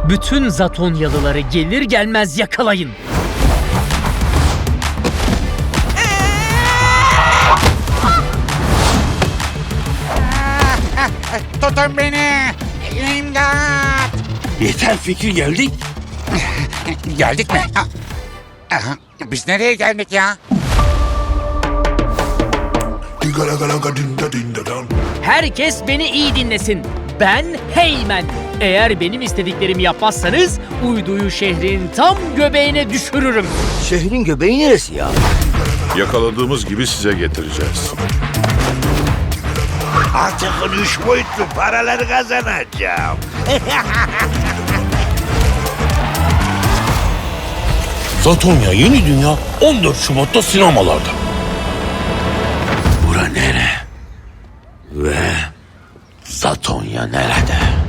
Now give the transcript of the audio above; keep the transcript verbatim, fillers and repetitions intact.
Bütün Zatonyalıları gelir gelmez yakalayın. Tutun beni! İmdat! Yeter Fikri, geldik. Geldik mi? Ha. Aha, biz nereye geldik ya? Herkes beni iyi dinlesin. Ben Heymen. Eğer benim istediklerimi yapmazsanız uyduyu şehrin tam göbeğine düşürürüm. Şehrin göbeği neresi ya? Yakaladığımız gibi size getireceğiz. Artık üç boyutlu paraları kazanacağım. Zatonya Yeni Dünya on dört Şubat'ta sinemalarda. Bura nere? Ve Zatonya nerede?